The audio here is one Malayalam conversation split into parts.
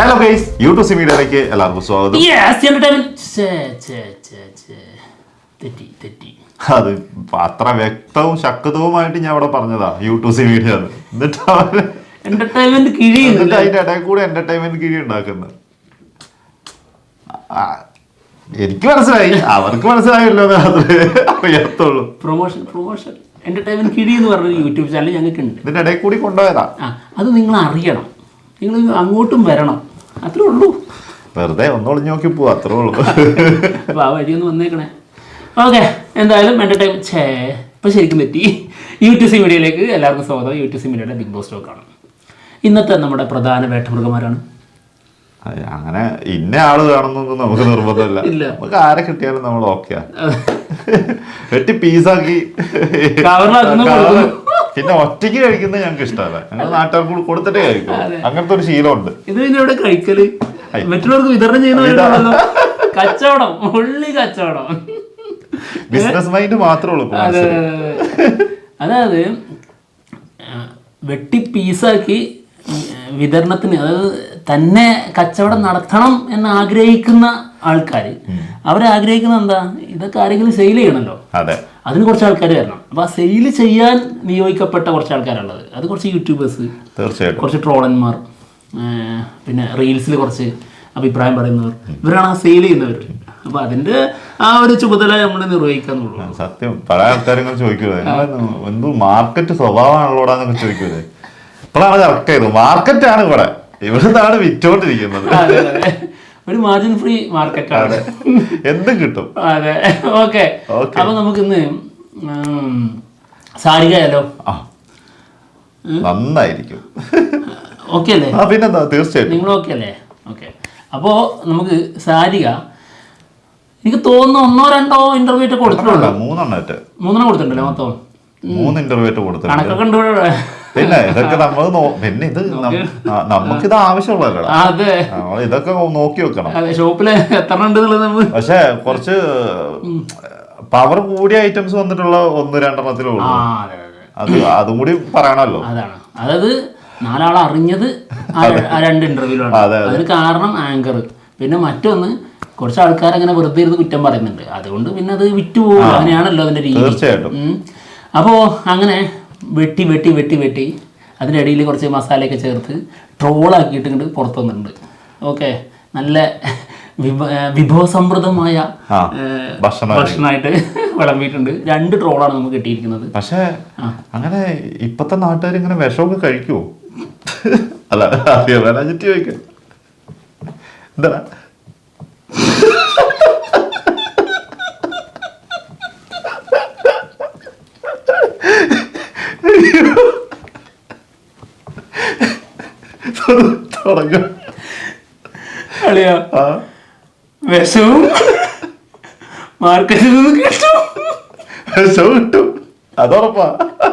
ഹലോ ഗൈസ്, യൂട്യൂബ് മീഡിയയിലേക്ക് എല്ലാവർക്കും സ്വാഗതം. അത് അത്ര വ്യക്തവും ശക്തവുമായിട്ട് ഞാൻ അവിടെ പറഞ്ഞതാ യൂട്യൂബ് മീഡിയ. എന്നിട്ട് അതിന്റെ ഇടയിൽ കൂടെ എന്റർടൈൻമെന്റ് കിഴി ഉണ്ടാക്കുന്നത് എനിക്ക് മനസ്സിലായി, അവർക്ക് മനസ്സിലായല്ലോ. അത് അറിയാത്തുള്ളൂ. പ്രൊമോഷൻ എന്റർടൈൻമെന്റ് കിഴി എന്ന് പറഞ്ഞ യൂട്യൂബ് ചാനൽ ഞങ്ങൾക്ക് ഉണ്ട്. ഇതിന്റെ ഇടയിൽ കൂടി കൊണ്ടുപോയതാ. അത് നിങ്ങൾ അറിയണം, നിങ്ങൾ അങ്ങോട്ടും വരണം, അത്രേ ഉള്ളൂ. വെറുതെ ഒന്നൊളിഞ്ഞു നോക്കി പോവാ, അത്രേ ഉള്ളൂ. അപ്പോൾ ആ വഴിയൊന്ന് വന്നേക്കണേ. ഓക്കെ, എന്തായാലും എന്റർടൈൻ ഇപ്പം ശരിക്കും പറ്റി. യൂട്യൂബ് മീഡിയയിലേക്ക് എല്ലാവർക്കും സ്വാഗതം. യൂട്യൂബ് മീഡിയയുടെ ബിഗ് ബോസ് ടോക്കാണ്. ഇന്നത്തെ നമ്മുടെ പ്രധാന വേട്ടമൃഗന്മാരാണ്. അങ്ങനെ ഇന്ന ആള് കാണുന്നൊന്നും നമുക്ക് നിർബന്ധമില്ല. നമുക്ക് ആരെ കിട്ടിയാലും നമ്മൾ ഓക്കെയാ. വെട്ടി പീസാക്കി പിന്നെ ഒറ്റയ്ക്ക് കഴിക്കുന്നത് ഞങ്ങൾക്ക് ഇഷ്ടമല്ല. ഞങ്ങൾ നാട്ടുകാർക്ക് കൊടുത്തിട്ടേ കഴിക്കും. അങ്ങനത്തെ ഒരു ശീലമുണ്ട്. ഇത് പിന്നെ ഇവിടെ കഴിക്കല് മറ്റുള്ളവർക്ക് വിതരണം ചെയ്യുന്ന കച്ചവടം, ഉള്ളി കച്ചവടം, ബിസിനസ് മൈൻഡ് മാത്രമേ ഉള്ളൂ. അതായത് വെട്ടി പീസാക്കി വിതരണത്തിന്, അതായത് തന്നെ കച്ചവടം നടത്തണം എന്ന് ആഗ്രഹിക്കുന്ന ആൾക്കാർ, അവരാഗ്രഹിക്കുന്ന എന്താ, ഇതൊക്കെ ആരെങ്കിലും സെയിൽ ചെയ്യണമല്ലോ. അതെ, അതിന് കുറച്ച് ആൾക്കാർ വരണം. അപ്പോൾ ആ സെയിൽ ചെയ്യാൻ നിയോഗിക്കപ്പെട്ട കുറച്ച് ആൾക്കാരുള്ളത്, അത് കുറച്ച് യൂട്യൂബേഴ്സ്, തീർച്ചയായിട്ടും കുറച്ച് ട്രോളന്മാർ, പിന്നെ റീൽസിൽ കുറച്ച് അഭിപ്രായം പറയുന്നവർ, ഇവരാണ് ആ സെയിൽ ചെയ്യുന്നവർ. അപ്പോൾ അതിൻ്റെ ആ ഒരു ചുമതല നമ്മൾ നിർവഹിക്കാന്നുള്ളൂ. സത്യം. പല ആൾക്കാരും ചോദിക്കുന്നത് എന്തോ മാർക്കറ്റ് സ്വഭാവമാണല്ലോടാന്നൊക്കെ ചോദിക്കുന്നത്. ഇപ്പോഴാണ് കറക്റ്റ് ചെയ്തത്. മാർക്കറ്റാണ് ഇവിടുന്നാണ് വിറ്റോണ്ടിരിക്കുന്നത്. ഒരു മാർജിൻ ഫ്രീ മാർക്കറ്റാണ്, എന്തും കിട്ടും. അതെ, ഓക്കെ. അപ്പൊ നമുക്കിന്ന് സാരികയാലോ? നന്നായിരിക്കും. ഓക്കെ അല്ലേ? പിന്നെന്താ, തീർച്ചയായിട്ടും. നിങ്ങൾ ഓക്കെ അല്ലേ? ഓക്കെ. അപ്പോൾ നമുക്ക് സാരിക, എനിക്ക് തോന്നുന്നു 1-2 ഇന്റർവ്യൂ ഒക്കെ കൊടുത്തിട്ടുണ്ടോ? 3 കൊടുത്തിട്ടുണ്ടല്ലേ? മൊത്തം 3 ഇന്റർവ്യൂ കൊടുത്തിട്ടുണ്ട്. കണക്കൊക്കെ ഉണ്ട്. പിന്നെ ഇതൊക്കെ നമ്മൾ പിന്നെ ഇത് നമുക്കിത് ആവശ്യമുള്ളല്ലോ. അതെ, ഇതൊക്കെ നോക്കി വെക്കണം. ഷോപ്പില് എത്ര ഉണ്ട് എന്നുള്ളത്. പക്ഷെ കുറച്ച് പവർ കൂടിയ ഐറ്റംസ് വന്നിട്ടുള്ള 1-2 അതും കൂടി പറയണല്ലോ. അതാണ്, അതായത് 4 ആൾ അറിഞ്ഞത് ആ 2 ഇന്റർവ്യൂലാണ്. അതിന് കാരണം ആങ്കർ. പിന്നെ മറ്റൊന്ന്, കുറച്ച് ആൾക്കാർ അങ്ങനെ വെറുതെ ഇരുന്ന് കുറ്റം പറയുന്നുണ്ട്. അതുകൊണ്ട് പിന്നെ അത് വിറ്റുപോകും. അങ്ങനെയാണല്ലോ അതിന്റെ രീതി. തീർച്ചയായിട്ടും. അപ്പോൾ അങ്ങനെ വെട്ടി വെട്ടി വെട്ടി വെട്ടി അതിനിടയിൽ കുറച്ച് മസാലയൊക്കെ ചേർത്ത് ട്രോളാക്കിയിട്ട് ഇങ്ങോട്ട് പുറത്തു വന്നിട്ടുണ്ട്. ഓക്കെ, നല്ല വിഭവസമൃദ്ധമായ ഭക്ഷണമായിട്ട് വിളമ്പിയിട്ടുണ്ട്. 2 ട്രോളാണ് നമുക്ക് കിട്ടിയിരിക്കുന്നത്. പക്ഷേ അങ്ങനെ ഇപ്പത്തെ നാട്ടുകാർ ഇങ്ങനെ വിഷമൊക്കെ കഴിക്കുമോ? അല്ല, ചുറ്റി ചോദിക്കാം. എന്താ അളിയാ, വിഷവും മാർക്കറ്റിൽ നിന്ന് കിട്ടും. വിഷവും കിട്ടും, അതുറപ്പാ.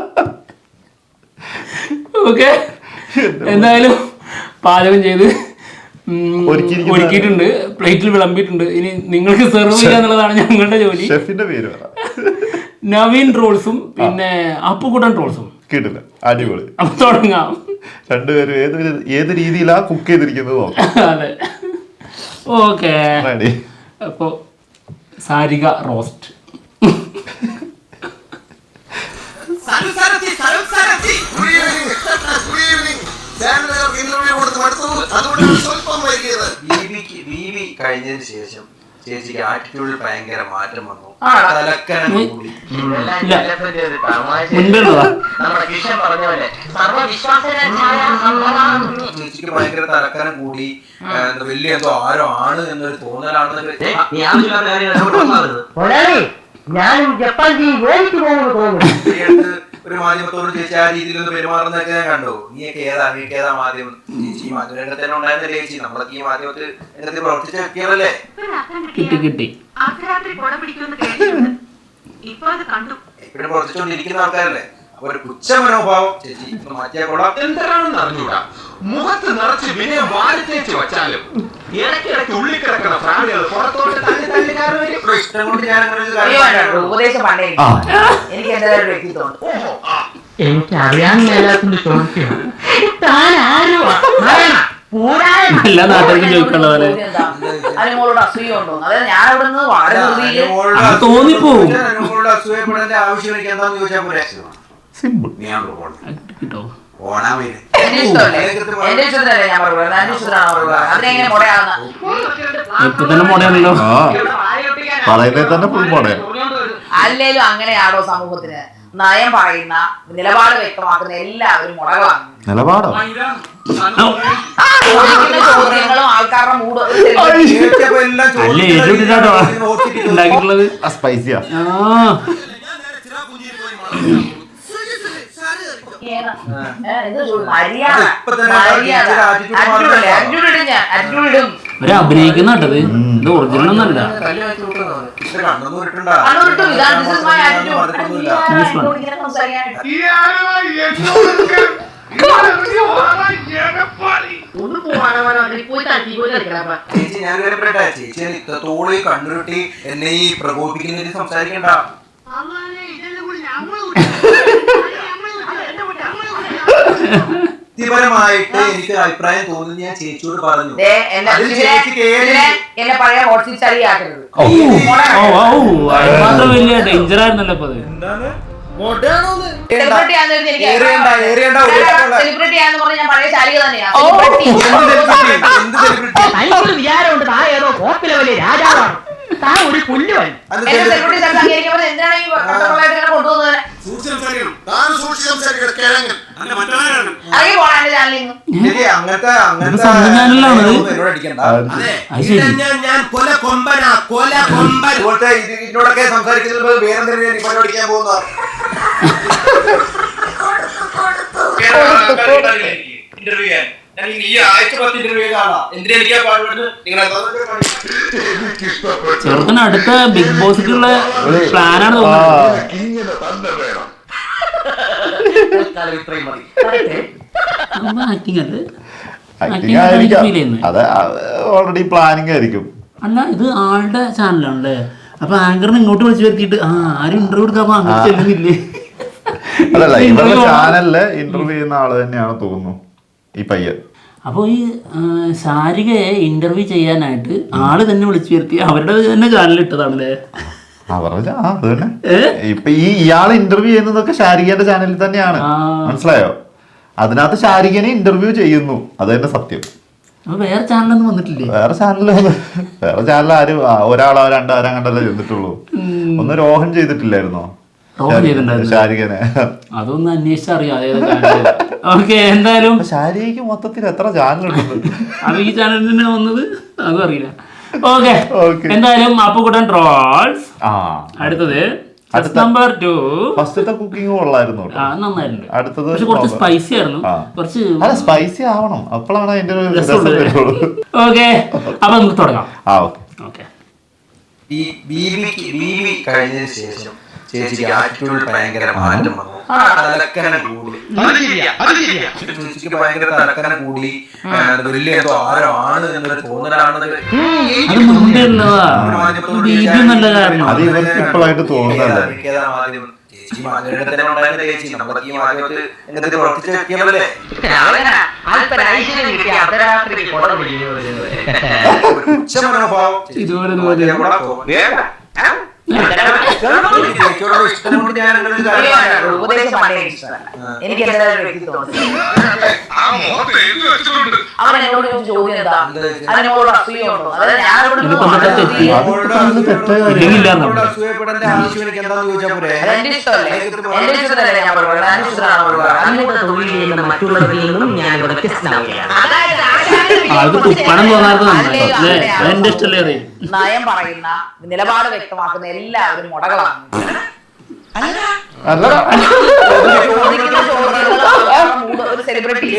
ഓക്കെ, എന്തായാലും പാചകം ചെയ്ത് ഒരുക്കിയിട്ടുണ്ട്, പ്ലേറ്റിൽ വിളമ്പിയിട്ടുണ്ട്. ഇനി നിങ്ങൾക്ക് സെർവ് ചെയ്യാന്നുള്ളതാണ് ഞങ്ങളുടെ ജോലി. ഷെഫിന്റെ പേര് നവീൻ ട്രോൾസും പിന്നെ അപ്പുകുട്ടൻ ട്രോൾസും. കിട്ടില്ല, അടിപൊളി. അപ്പൊ തുടങ്ങാം. രണ്ടുപേരും ഏത് രീതിയിലാ കുക്ക് ചെയ്തിരിക്കുന്നത്. അതെ, ഓക്കെ. അപ്പൊ സാരിക റോസ്റ്റ്. കഴിഞ്ഞതിന് ശേഷം ചേച്ചിക്ക് ആറ്റിറ്റ്യൂഡിൽ ഭയങ്കര മാറ്റം വന്നു. ചേച്ചിക്ക് ഭയങ്കര തലക്കനം കൂടി, വലിയ എന്തോ ആരോ ആണ് എന്നൊരു തോന്നലാണ്. ഒരു മാധ്യമത്തോട് ചേച്ചി ആ രീതിയിലൊന്ന് പെരുമാറുന്നതൊക്കെ ഞാൻ കണ്ടു. നീയൊക്കെ ഏതാ മാധ്യമം? ചേച്ചി ഈ മാധ്യമരംഗത്ത് തന്നെ ഉണ്ടായിരുന്നില്ലേ ചേച്ചി? നമ്മളൊക്കെ ഈ മാധ്യമത്തിൽ രംഗത്ത് പ്രവർത്തിച്ച വ്യക്തികളല്ലേ? എപ്പോഴും പ്രവർത്തിച്ചുകൊണ്ടിരിക്കുന്ന ആൾക്കാരല്ലേ? അപ്പൊ ഒരു പുച്ഛ മനോഭാവം ചേച്ചി മാറ്റിയാൽ കൊള്ളാം. എന്താണെന്ന് അറിഞ്ഞൂടാ, മുഖത്ത് നിറച്ച് വിനയം വാരിത്തേച്ച് വച്ചാലും ഇടയ്ക്കിടയ്ക്ക് ഉള്ളിൽ കിടക്കുന്ന പ്രാണികൾ പുറത്തോട്ട് ഇഷ്ടം കൊണ്ട് ഞാൻ അങ്ങനെ ഉപദേശം പണ്ടേ എനിക്ക് എന്റെ വ്യക്തിത്വമുണ്ട്. എനിക്ക് അറിയാൻ മേലാത്തിന്റെ ചോദിക്കണം. താൻ ആരുവാ? എല്ലാ നാട്ടുകാർക്കും ചോദിക്കാനുള്ള പോലെ അനുമോളോട് അസൂയ ഉണ്ടോ? അതായത് ഞാൻ അവിടെ നിന്ന് വളരെ തോന്നിപ്പോവും. അസൂയപ്പെടേണ്ട ആവശ്യം എനിക്ക് എന്താന്ന് ചോദിച്ചാൽ പോരെ. സിമ്പിൾ. കിട്ടോ എന്റെ ഇഷ്ടമല്ലേ? എന്റെ ഇഷ്ടത്തിലല്ലേ ഞാൻ പറയുന്നത്? എന്റെ ഇഷ്ടത്തിലാണ് പറയുന്നത്. അതിനെങ്ങനെ മുടയാവുന്ന? ഇപ്പൊ തന്നെ മോഡയാണല്ലോ. പറയുന്നത് തന്നെ ഫുൾ മോഡേ. അല്ലേലും അങ്ങനെയാണോ സമൂഹത്തിന്? നയം പറയുന്ന, നിലപാട് വ്യക്തമാക്കുന്ന എല്ലാവരും മുടകളാണ്. നിലപാടോ? ചോദ്യങ്ങളും ആൾക്കാരുടെ മൂഡ് അല്ലേ ഏറ്റുവിട്ടിട്ടാട്ടോ ഉണ്ടാക്കിയിട്ടുള്ളത്. സ്പൈസിയാ. ഒരു അഭിനയിക്കുന്ന കേട്ടത് ഇത് ഒറിജിനൽ ഒന്നല്ല. ചേച്ചി ഞാൻ കേൾക്കട്ടെ. ചേച്ചി ഇത്രത്തോളം കണ്ണുരുട്ടി എന്നെ ഈ പ്രകോപിപ്പിക്കുന്ന സംസാരിക്കണ്ട. വ്യക്തിപരമായിട്ട് എനിക്ക് അഭിപ്രായം തോന്നുന്നു. ഞാൻ ചേച്ചിയോട് പറഞ്ഞു. എന്നെ പഴയ ഹോട്ട്സീറ്റ് ചളിയാക്കരുത്. മാത്രം വലിയ ഡേഞ്ചർ ആയിരുന്നല്ലോ ഇപ്പൊ അത്. സെലിബ്രിറ്റി ആണെന്ന് പറഞ്ഞ ഞാൻ പഴയ ചാലിക തന്നെയാണ്. വിചാരമുണ്ട് താ ഏതോ കോപ്പിലെ വലിയ രാജാവാണ്, താ ഒരു പുല്ലുവൻ. സെലിബ്രിറ്റി അംഗീകരിക്കുമ്പോൾ എന്തിനാണ് ഈ കൊണ്ടുപോകുന്നത്? ഇതിനോടൊക്കെ സംസാരിക്കുന്നത് വേറെന്തെങ്കിലും പഠിക്കാൻ പോകുന്ന ഇന്റർവ്യൂ ചെയ്യാൻ ചെറുക്കന് അടുത്ത ബിഗ് ബോസിലുള്ള പ്ലാനാണ് തോന്നുന്നത്. ആക്ടിങ് അല്ലേ? അത് ഓൾറെഡി പ്ലാനിങ് ആയിരിക്കും. അല്ല ഇത് ആളുടെ ചാനലാണല്ലേ. അപ്പൊ ആങ്കറിനെ ഇങ്ങോട്ട് വിളിച്ചു വരുത്തിയിട്ട് ആരും ഇന്റർവ്യൂ എടുക്കാൻ അങ്ങോട്ട് ചെല്ലുന്നില്ലേ? അതല്ല, ഇവരുടെ ചാനലില് ഇന്റർവ്യൂ ചെയ്യുന്ന ആള് തന്നെയാണ് തോന്നുന്നു ഈ പയ്യൻ. അപ്പോൾ ഈ ശാരികയെ ഇന്റർവ്യൂ ചെയ്യാനായിട്ട് ആള് തന്നെ വിളിച്ചു വരുത്തി അവരുടെ തന്നെ ചാനൽ ഇട്ടതാണല്ലേ? അവരുടെ അത് തന്നെ. ഇപ്പൊ ഇയാൾ ഇന്റർവ്യൂ ചെയ്യുന്നതൊക്കെ ശാരികന്റെ ചാനലിൽ തന്നെയാണ്. മനസ്സിലായോ? അതിനകത്ത് ശാരികനെ ഇന്റർവ്യൂ ചെയ്യുന്നു. അത് തന്നെ സത്യം. വേറെ ചാനലൊന്നും വന്നിട്ടില്ലേ? വേറെ ചാനൽ ആരും ഒരാളോ രണ്ടാരം കണ്ടല്ലേ ചെയ്തിട്ടുള്ളൂ. ഒന്ന് രോഹൻ ചെയ്തിട്ടില്ലായിരുന്നോ ശാരികനെ? അതൊന്നും അന്വേഷിച്ചറിയാം. ഓക്കെ, എന്തായാലും ശാരികയ്ക്ക് മൊത്തത്തിൽ എത്ര ചാനലുണ്ട്? അത് ഈ ചാനലിന് വന്നത് അതും അറിയില്ല. ഓക്കെ, എന്തായാലും അപ്പുകുട്ടൻ ട്രോൾസ്. അടുത്തത് നമ്പർ 2. ഫസ്റ്റത്തെ കുക്കിംഗ് കൊള്ളായിരുന്നു, നന്നായിരുന്നു. അടുത്തത് കുറച്ച് സ്പൈസി ആയിരുന്നു. കുറച്ച് സ്പൈസി ആവണം, അപ്പോഴാണ് അതിന്റെ രസം വരുള്ളൂ. ഓക്കെ, അപ്പൊ നമുക്ക് തുടങ്ങാം. ഓക്കെ. കഴിഞ്ഞതിന് ശേഷം ചേച്ചിക്ക് ആറ്റിറ്റ്യൂഡിൽ ഭയങ്കര മാറ്റം വന്നു. തലക്കനം കൂടി, ചേച്ചിക്ക് ഭയങ്കര തലക്കനം കൂടി. വലിയ എന്തോ ആരാണ് എന്നൊരു തോന്നലാണ്. അത് ഇവർക്ക് ഇപ്പോഴായിട്ട് തോന്നുന്നല്ലേ? ചേച്ചി മാധ്യമത്തിൽ ഉണ്ടായിരുന്ന ചേച്ചി നമ്മളൊക്കെ ഈ മാധ്യമത്തിൽ എന്തൊക്കെ പ്രവർത്തിച്ച് വെക്കിയല്ലേ? എനിക്ക് അവൻ എന്നോട് ചോദ്യം എന്താ, അതിനോട് അസൂയ ഉണ്ടോ? അതായത് അസൂയപ്പെടേണ്ട ആവശ്യം എനിക്ക് എന്താന്ന് ചോദിച്ചാൽ പോരെ. എന്റെ ഇഷ്ടമല്ലേ? എന്റെ ഇഷ്ടത്തിലല്ലേ ഞാൻ പറയുന്നത്? എന്റെ ഇഷ്ടത്തിലാണ് പറയുന്നത്. മറ്റുള്ളവരിൽ നിന്നും ഞാൻ വ്യത്യസ്തനാവുകയാണ്. നയം പറയുന്ന, നിലപാട് വ്യക്തമാക്കുന്ന എല്ലാവരും മുടകളാണ്. ഒരു സെലിബ്രിറ്റി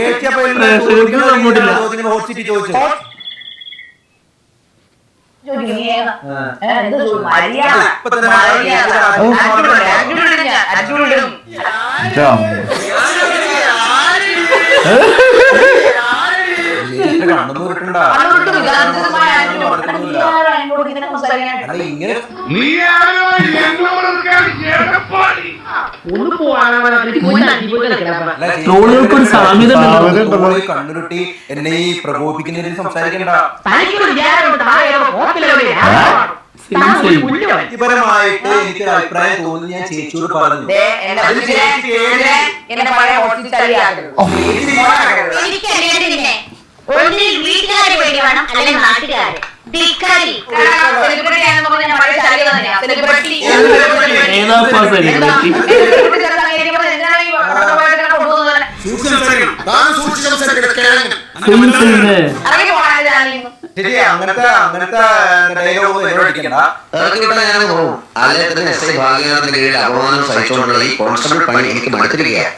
ഒന്ന് പോവാൻ ട്രോളുകൾക്ക് ഒരു സാമ്യത ഉണ്ടല്ലോ. കണ്ണുരുട്ടി എന്നെ ഈ പ്രകോപിപ്പിക്കുന്നതിൽ സംസാരിക്കണ്ട. വ്യക്തിപരമായിട്ട് എനിക്ക് അഭിപ്രായം തോന്നുന്നു. ഞാൻ ചേച്ചിയോട് പറഞ്ഞു. വീട്ടുകാരെ വേണ്ടി വേണം അല്ലെങ്കിൽ നാട്ടുകാരെ അങ്ങനത്തെ ഡയലോഗ് അടിക്കണ്ട. അപമാനം സഹിച്ചുകൊണ്ടുള്ള ഈ കോൺസ്റ്റബിൾ പണി എനിക്ക് മടുത്തിരിക്കുകയാണ്.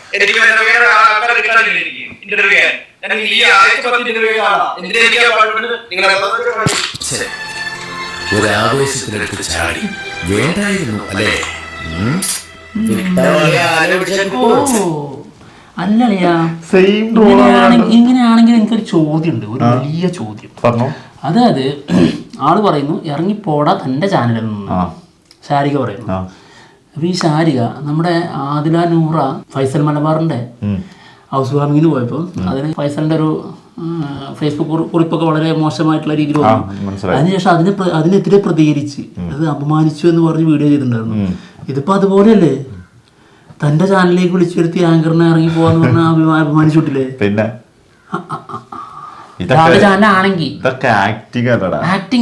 ഒരാവേശത്തിലെടുത്ത് ചാടി വേണ്ടായിരുന്നു അല്ലേ? അല്ലളിയാ, ഇങ്ങനെയാണെങ്കിൽ എനിക്കൊരു ചോദ്യമുണ്ട്, ഒരു വലിയ ചോദ്യം. അതായത് ആള് പറയുന്നു ഇറങ്ങിപ്പോടാ തന്റെ ചാനലിൽ നിന്ന്, ശാരിക പറയുന്നു. അപ്പൊ ഈ ശാരിക നമ്മുടെ ആദില നൂറ ഫൈസൽ മലബാറിന്റെ ഹൗസ് വാമിങ്ങിന് പോയപ്പോൾ അതിന് ഫൈസലിന്റെ ഒരു ഫേസ്ബുക്ക് കുറിപ്പൊക്കെ വളരെ മോശമായിട്ടുള്ള രീതിയിൽ വന്നു. അതിനുശേഷം അതിനെതിരെ പ്രതികരിച്ച് അത് അപമാനിച്ചു എന്ന് പറഞ്ഞ് വീഡിയോ ചെയ്തിട്ടുണ്ടായിരുന്നു. ഇതിപ്പോ അതുപോലെയല്ലേ, തന്റെ ചാനലിലേക്ക് വിളിച്ചു വരുത്തി ആങ്കറിനെ ഇറങ്ങി പോവാന്ന് പറഞ്ഞാൽ അപമാനിച്ചിട്ടില്ലേ? പിന്നെ ചാനലാണെങ്കിൽ ഇതൊക്കെ ആക്ടിങ് അല്ലടാ,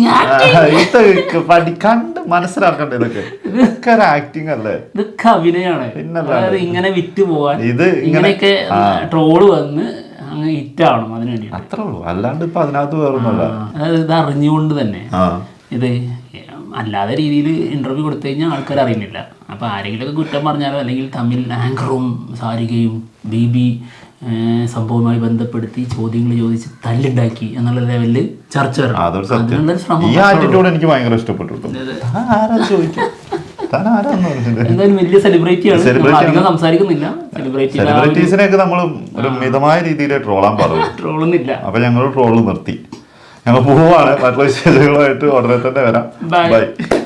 കണ്ട് മനസ്സിലാക്കണ്ടേ? ഇതൊക്കെ ആക്ടിങ് അല്ലേ? ഇതൊക്കെ അഭിനയാണ്. അതായത് ഇങ്ങനെ വിറ്റ് പോവാൻ ഇങ്ങനെയൊക്കെ ട്രോള് വന്ന് അങ്ങ് ഹിറ്റാവണം, അതിന് വേണ്ടി അത്രേ ഉള്ളൂ. അല്ലാണ്ട് ഇപ്പൊ അതിനകത്ത് വേറൊന്നുമല്ല. അതായത് ഇത് അറിഞ്ഞുകൊണ്ട് തന്നെ ഇത് അല്ലാതെ രീതിയിൽ ഇന്റർവ്യൂ കൊടുത്തു കഴിഞ്ഞാൽ ആൾക്കാർ അറിയുന്നില്ല. അപ്പൊ ആരെങ്കിലുമൊക്കെ കുറ്റം പറഞ്ഞാലോ അല്ലെങ്കിൽ തമ്മിൽ ആങ്കറും സാരികയും ബീബി സംഭവവുമായി ബന്ധപ്പെടുത്തി ചോദ്യങ്ങൾ ചോദിച്ച് തല്ലുണ്ടാക്കി എന്നുള്ള ലെവലില് ചർച്ച വരണം. ഈ ആറ്റിറ്റ്യൂഡ് എനിക്ക് ഭയങ്കര ഇഷ്ടപ്പെട്ടു. എന്തായാലും വലിയ സെലിബ്രിറ്റിയാണ്, അധികം സംസാരിക്കുന്നില്ല. സെലിബ്രിറ്റീസിനെയൊക്കെ നമ്മൾ ഒരു മിതമായ രീതിയിൽ ട്രോളാൻ പറഞ്ഞു, ട്രോളൊന്നുമില്ല. അപ്പൊ ഞങ്ങൾ ട്രോള് നിർത്തി. ഞങ്ങൾ പോവാണ്. മറ്റുള്ള വിശേഷങ്ങളുമായിട്ട് ഉടനെ തന്നെ വരാം. ബൈ.